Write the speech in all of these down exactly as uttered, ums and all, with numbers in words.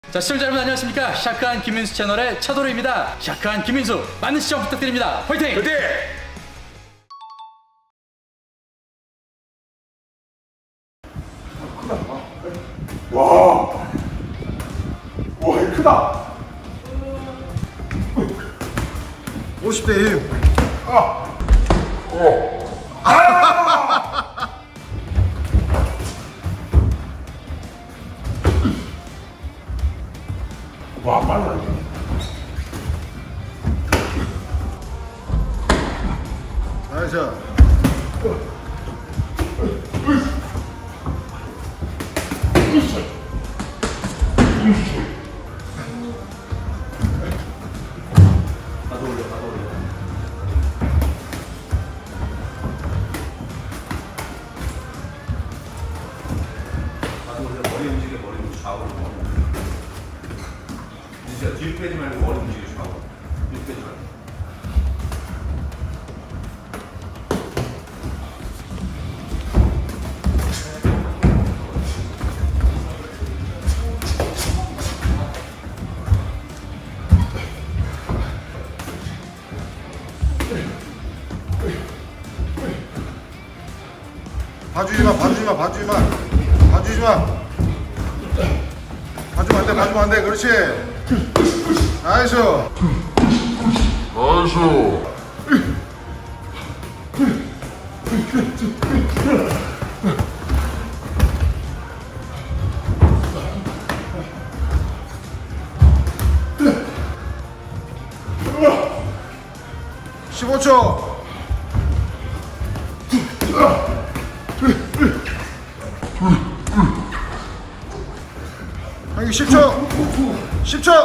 자, 시청자 여러분 안녕하십니까? 샤크한 김민수 채널의 차도르입니다. 샤크한 김민수 많은 시청 부탁드립니다. 화이팅! 화이팅! 와, 와, 이 크다. 오십 대 힘. 아, 어, 아! 와, 빨라 이게. 나이스. 머리 움직여, 머리 움직여, 좌우로. 진짜 뒤로 빼지 말고 머리 움직여, 좌우로. 뒤로 빼지 말고. 봐주지 마, 봐주지 마, 봐주지 마. 봐주지 마. 봐주면 안 돼, 봐주면 안 돼. 그렇지. 나이스. 십오 초. 형이 십 초. 십 초.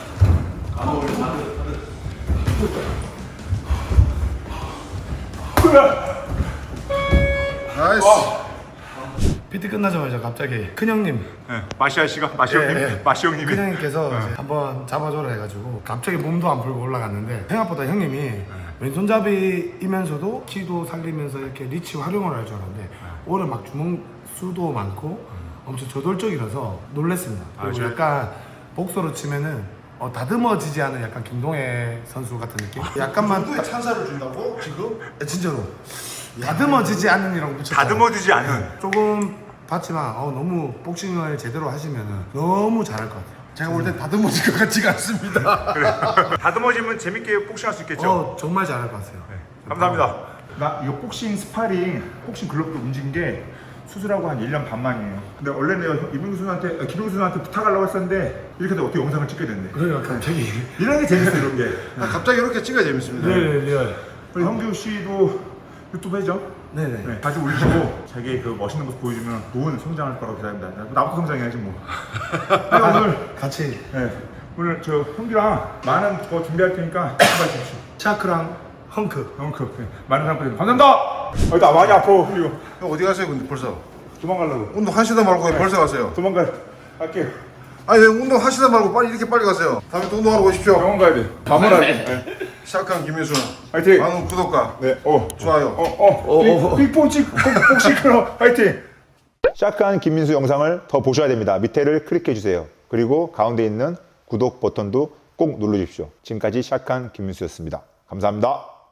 나이스. 피티 끝나자마자 갑자기 큰형님 네, 마시아 씨가 마시 형님, 예, 예. 마시 형님이. 큰형님께서 이제 한번 잡아줘라 해가지고 갑자기 몸도 안 풀고 올라갔는데 생각보다 형님이 왼손잡이이면서도 키도 살리면서 이렇게 리치 활용을 할 줄 알았는데 오늘 막 주먹 수도 많고 엄청 저돌적이라서 놀랬습니다. 그리고 저- 약간 복서로 치면은 어, 다듬어지지 않은 약간 김동해 선수 같은 느낌? 약간만 누구에 찬사를 준다고 지금? 딱- 진짜로 다듬어지지 않는 이라고 붙였어요. 다듬어지지 않은. 조금 봤지만 어, 너무 복싱을 제대로 하시면은 너무 잘할 것 같아요. 제가 볼 땐 다듬어질 것 같지가 않습니다. 다듬어지면 재밌게 복싱할 수 있겠죠. 어, 정말 잘할 것 같아요. 네, 감사합니다. 나 이거 복싱 스파링, 복싱 글러브도 움직인 게 수술하고 한 일 년 반 만이에요. 근데 원래 내가 이민규 선수한테, 아, 김민규 선수한테 부탁하려고 했었는데 이렇게 해서 어떻게 영상을 찍게 됐네. 그래요, 갑자기. 이런 게 재밌어, 이런 게. 아, 갑자기 이렇게 찍어야 재밌습니다. 네, 네, 우리 형규 씨도 유튜브 해죠? 네, 네. 네, 다시 올리시고 자기 그 멋있는 모습 보여주면 좋은 성장할 거라고 기대합니다. 나부터 성장해야지 뭐. 네, 오늘 같이 네, 오늘 저 형규랑 많은 거 준비할 테니까 출발 주십시오. 차크랑 헝크. 형 그, 네, 많은 사람들 감사합니다. 아, 나 많이 아파 형규. 형 어디 가세요 근데 벌써? 도망가려고. 운동 하시다 말고 왜 벌써 가세요? 도망가. 갈게요. 아니 왜 운동 하시다 말고 빨리 이렇게 빨리 가세요? 다음에 또 운동하러 오십시오. 병원 가야 돼. 밤을 하게. 네. 시작한 김민수. 화이팅. 많은 구독과 네, 어. 좋아요. 어, 어. 빅포치 복싱 클럽 화이팅. 샤크한 김민수 영상을 더 보셔야 됩니다. 밑에를 클릭해 주세요. 그리고 가운데 있는 구독 버튼도 꼭 눌러주십시오. 지금까지 샤크한 김민수였습니다. 감사합니다.